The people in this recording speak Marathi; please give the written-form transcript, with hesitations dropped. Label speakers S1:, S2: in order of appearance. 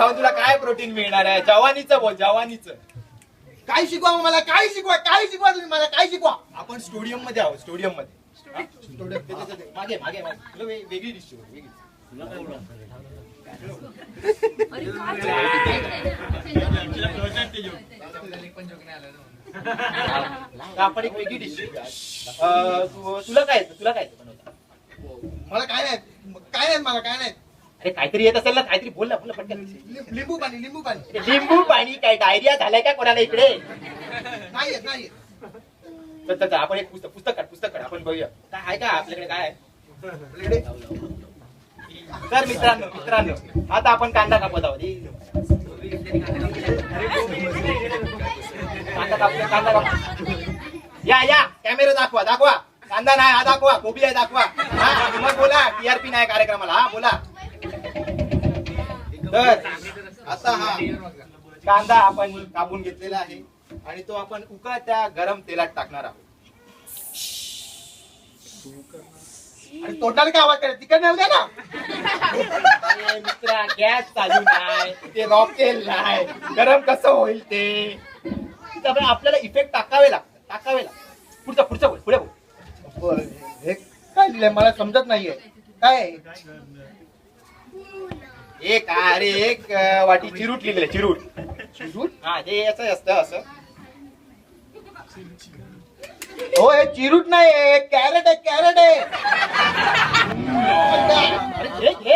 S1: खाऊन तुला काय प्रोटीन मिळणार आहे? जवानीचं बोल, जवानीचं.
S2: काय शिकवा मला? काय शिकवा तुम्ही मला? काय शिकवा?
S1: आपण स्टुडियम मध्ये आहोत, स्टुडियम मध्ये. मागे मागे मागे. तुला वेगळी डिश शिकव, वेगळी. आपण एक वेगळी डिश शिकूया. तुला काय येतं? तुला काय येतं बनवता?
S2: मला काय नाही मला काय नाही.
S1: अरे काहीतरी येत असेल ना, काहीतरी बोल ना, बोल ना पटकन.
S2: लिंबू पाणी.
S1: लिंबू पाणी काय? डायरिया झालाय का कोणाला इकडे?
S2: नाही
S1: तर आपण एक पुस्तक काढ आपण बघूया काय आहे का आपल्याकडे. काय आहे तर मित्रांनो आता आपण कांदा कापत आहोत. कांदा काप. या कॅमेरा दाखवा. कांदा नाही हा दाखवा, कोबी आहे दाखवा. हा मग बोला, टीआरपी नाही कार्यक्रमाला. हा बोला. तर आता हा कांदा आपण कापून घेतलेला आहे आणि तो आपण उकळत्या गरम तेलात टाकणार आहोत.
S2: आणि तोंडाला काय आवाज करायचा? तिकडे नाही ना.
S1: अरे मित्रा, गॅस चालू नाही, ते रॉकेल नाही, गरम कसं होईल ते? त्यामुळे आपल्याला इफेक्ट टाकावे लागतात. पुढचं बोल, पुढे बोल.
S2: हे काय लिहिलंय मला समजत नाहीये. काय
S1: एक वाटी चिरूट लिहिलेलं. चिरूट हा ते असं असतं असं.
S2: हो हे चिरूट नाही, कॅरेट आहे.
S1: अरे